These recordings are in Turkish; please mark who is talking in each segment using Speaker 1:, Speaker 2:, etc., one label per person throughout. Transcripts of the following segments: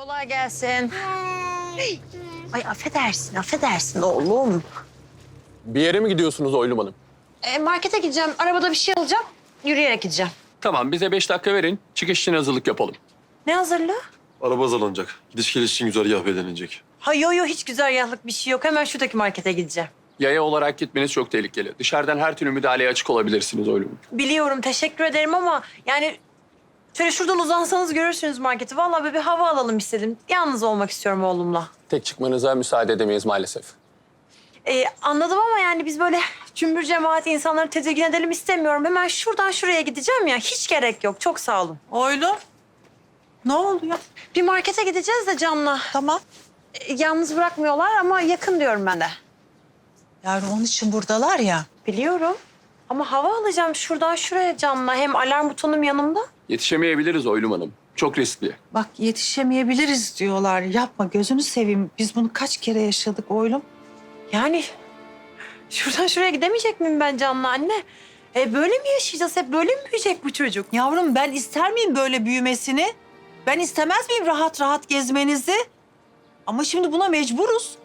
Speaker 1: Kolay gelsin. Ay affedersin oğlum.
Speaker 2: Bir yere mi gidiyorsunuz Oylum Hanım?
Speaker 1: Markete gideceğim. Arabada bir şey alacağım. Yürüyerek gideceğim.
Speaker 2: Tamam, bize 5 dakika verin. Çıkış için hazırlık yapalım.
Speaker 1: Ne hazırlığı?
Speaker 3: Araba hazırlanacak. Gidiş geliş için güzergah belirlenecek.
Speaker 1: Ha yo hiç güzergahlık bir şey yok. Hemen şuradaki markete gideceğim.
Speaker 2: Yaya olarak gitmeniz çok tehlikeli. Dışarıdan her türlü müdahaleye açık olabilirsiniz Oylum Hanım.
Speaker 1: Biliyorum, teşekkür ederim ama yani şöyle şuradan uzansanız görürsünüz marketi. Vallahi böyle bir hava alalım istedim. Yalnız olmak istiyorum oğlumla.
Speaker 2: Tek çıkmanıza müsaade edemeyiz maalesef.
Speaker 1: Anladım ama yani biz böyle cümbür cemaat insanları tedirgin edelim istemiyorum. Hemen şuradan şuraya gideceğim ya. Hiç gerek yok. Çok sağ olun.
Speaker 4: Oylum. Ne oluyor?
Speaker 1: Bir markete gideceğiz de Can'la.
Speaker 4: Tamam.
Speaker 1: Yalnız bırakmıyorlar ama yakın diyorum ben de.
Speaker 4: Yavrum onun için buradalar ya.
Speaker 1: Biliyorum. Ama hava alacağım şuradan şuraya Can'la. Hem alarm butonum yanımda.
Speaker 2: Yetişemeyebiliriz Oylum Hanım. Çok riskli.
Speaker 4: Bak yetişemeyebiliriz diyorlar. Yapma gözünü seveyim. Biz bunu kaç kere yaşadık oylum.
Speaker 1: Yani şuradan şuraya gidemeyecek miyim ben Can'la anne? Böyle mi yaşayacağız? Hep böyle mi büyüyecek bu çocuk?
Speaker 4: Yavrum ben ister miyim böyle büyümesini? Ben istemez miyim rahat rahat gezmenizi? Ama şimdi buna mecburuz.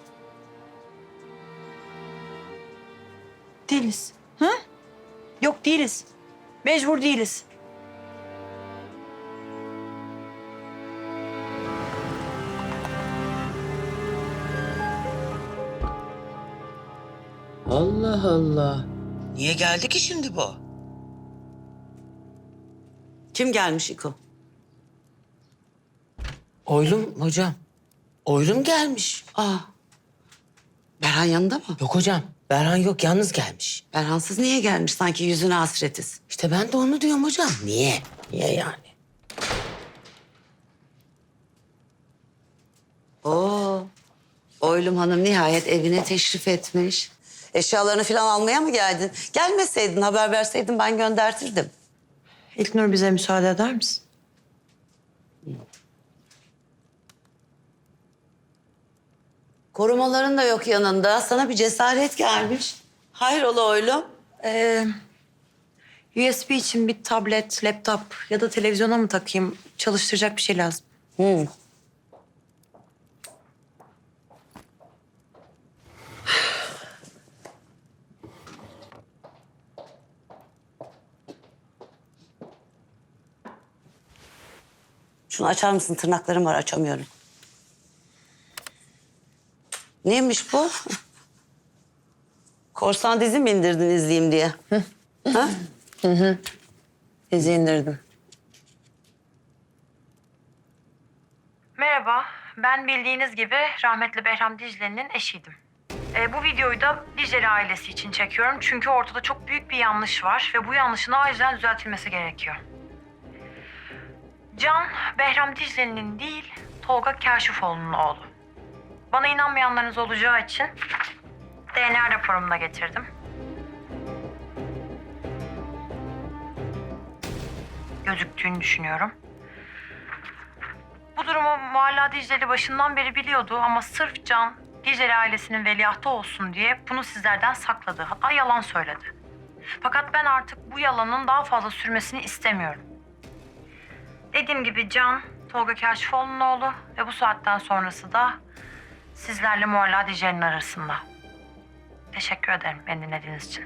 Speaker 1: Değiliz. Hı? Yok değiliz. Mecbur değiliz.
Speaker 5: Allah Allah.
Speaker 6: Niye geldi ki şimdi bu? Kim gelmiş İko?
Speaker 5: Oylum hocam. Oylum gelmiş.
Speaker 6: Berhan yanında mı?
Speaker 5: Yok hocam. Berhan yok, yalnız gelmiş.
Speaker 6: Berhansız niye gelmiş? Sanki yüzüne hasretiz.
Speaker 5: İşte ben de onu diyorum hocam. Niye? Niye yani?
Speaker 6: Oylum Hanım nihayet evine teşrif etmiş. Eşyalarını falan almaya mı geldin? Gelmeseydin, haber verseydin ben göndertirdim.
Speaker 1: İlknur bize müsaade eder misin?
Speaker 6: Korumaların da yok yanında. Sana bir cesaret gelmiş. Hayrola oylum?
Speaker 1: USB için bir tablet, laptop ya da televizyona mı takayım? Çalıştıracak bir şey lazım.
Speaker 6: Şunu açar mısın? Tırnaklarım var, açamıyorum. Neymiş bu? Korsan dizi mi indirdin izleyeyim diye? Ha?
Speaker 1: Dizi indirdim. Merhaba, ben bildiğiniz gibi rahmetli Behram Dicle'nin eşiydim. Bu videoyu da Dicle'li ailesi için çekiyorum çünkü ortada çok büyük bir yanlış var ve bu yanlışın acilen düzeltilmesi gerekiyor. Can, Behram Dicle'nin değil, Tolga Kaşifoğlu'nun oğlu. Bana inanmayanlarınız olacağı için DNA raporumu da getirdim. Gözüktüğünü düşünüyorum. Bu durumu Mualla Dicle'li başından beri biliyordu ama sırf Can, Dicle'li ailesinin veliahtı olsun diye bunu sizlerden sakladı. Hatta yalan söyledi. Fakat ben artık bu yalanın daha fazla sürmesini istemiyorum. Dediğim gibi Can, Tolga Kaşifoğlu'nun oğlu ve bu saatten sonrası da sizlerle Mualla Dicle'nin arasında. Teşekkür ederim beni dinlediğiniz için.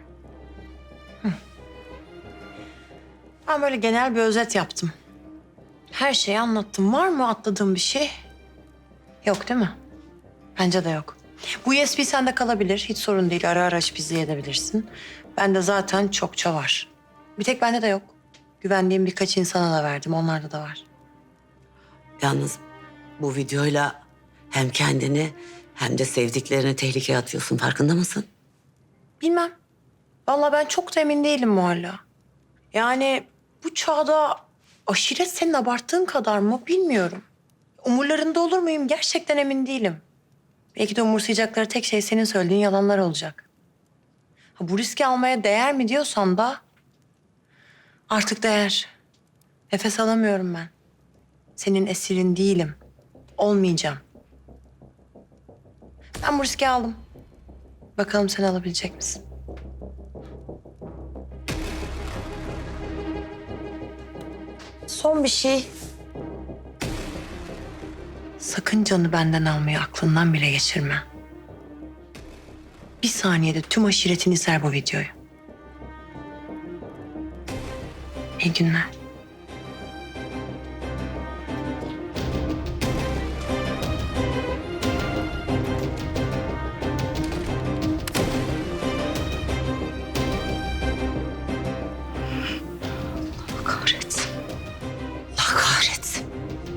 Speaker 1: Ben böyle genel bir özet yaptım. Her şeyi anlattım. Var mı atladığım bir şey? Yok değil mi? Bence de yok. Bu USB sende kalabilir. Hiç sorun değil. Ara ara açıp izleyebilirsin. Bende zaten çokça var. Bir tek bende de yok. Güvendiğim birkaç insana da verdim. Onlarda da var.
Speaker 6: Yalnız bu videoyla hem kendini hem de sevdiklerini tehlikeye atıyorsun. Farkında mısın?
Speaker 1: Bilmem. Vallahi ben çok da emin değilim Mualla. Yani bu çağda aşiret senin abarttığın kadar mı bilmiyorum. Umurlarında olur muyum gerçekten emin değilim. Belki de umursayacakları tek şey senin söylediğin yalanlar olacak. Ha, bu riski almaya değer mi diyorsan da artık değer. Nefes alamıyorum ben. Senin esirin değilim. Olmayacağım. Ben bu riski aldım. Bakalım sen alabilecek misin? Son bir şey. Sakın Can'ı benden almayı aklından bile geçirme. Bir saniyede tüm aşiretin izler bu videoyu. İyi günler.
Speaker 6: Kahretsin. Allah kahretsin.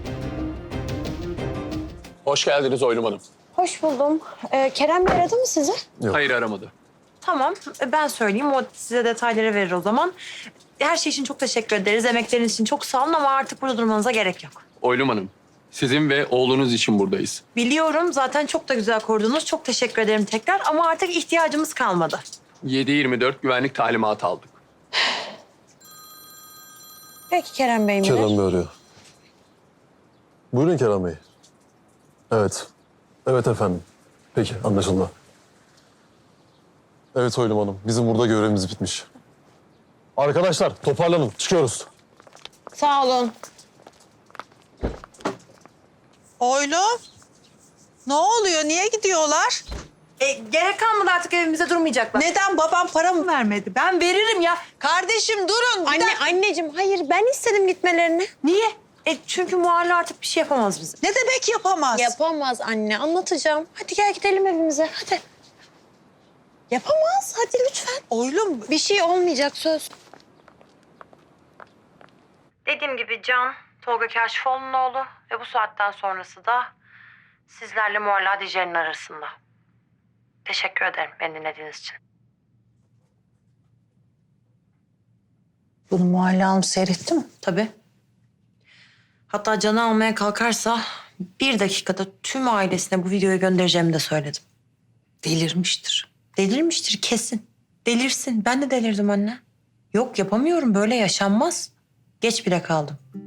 Speaker 2: Hoş geldiniz Oylum Hanım.
Speaker 1: Hoş buldum. Kerem Bey aradı mı sizi?
Speaker 3: Yok.
Speaker 2: Hayır aramadı.
Speaker 1: Tamam, ben söyleyeyim. O size detayları verir o zaman. Her şey için çok teşekkür ederiz. Emekleriniz için çok sağ olun ama artık burada durmanıza gerek yok.
Speaker 2: Oylum Hanım, sizin ve oğlunuz için buradayız.
Speaker 1: Biliyorum, zaten çok da güzel korudunuz. Çok teşekkür ederim tekrar ama artık ihtiyacımız kalmadı.
Speaker 2: 7/24 güvenlik talimatı aldık.
Speaker 1: Peki Kerem Bey mi?
Speaker 3: Kerem Bey arıyor. Buyurun Kerem Bey. Evet. Evet efendim. Peki anlaşıldı. Evet Oylum Hanım. Bizim burada görevimiz bitmiş. Arkadaşlar toparlanın. Çıkıyoruz.
Speaker 1: Sağ olun.
Speaker 4: Oylum. Ne oluyor? Niye gidiyorlar?
Speaker 1: Gerek kalmadı, artık evimize durmayacaklar.
Speaker 4: Neden babam para mı vermedi?
Speaker 1: Ben veririm ya.
Speaker 4: Kardeşim durun. Bir dakika.
Speaker 1: Anneciğim hayır, ben istedim gitmelerini. Niye? Çünkü Muhalle artık bir şey yapamaz bize.
Speaker 4: Ne demek yapamaz?
Speaker 1: Yapamaz anne, anlatacağım. Hadi gel gidelim evimize, hadi. Yapamaz, hadi lütfen.
Speaker 4: Oylum.
Speaker 1: Bir şey olmayacak, söz. Dediğim gibi Can, Tolga Kaşifoğlu'nun oğlu ve bu saatten sonrası da sizlerle Muhalle Adice'nin arasında. Teşekkür ederim beni dinlediğiniz için.
Speaker 4: Bunu Muhalle Hanım seyretti mi?
Speaker 1: Tabii. Hatta Can'ı almaya kalkarsa 1 dakikada tüm ailesine bu videoyu göndereceğimi de söyledim.
Speaker 4: Delirmiştir.
Speaker 1: Delirmiştir kesin. Delirsin. Ben de delirdim anne. Yok yapamıyorum, böyle yaşanmaz. Geç bile kaldım.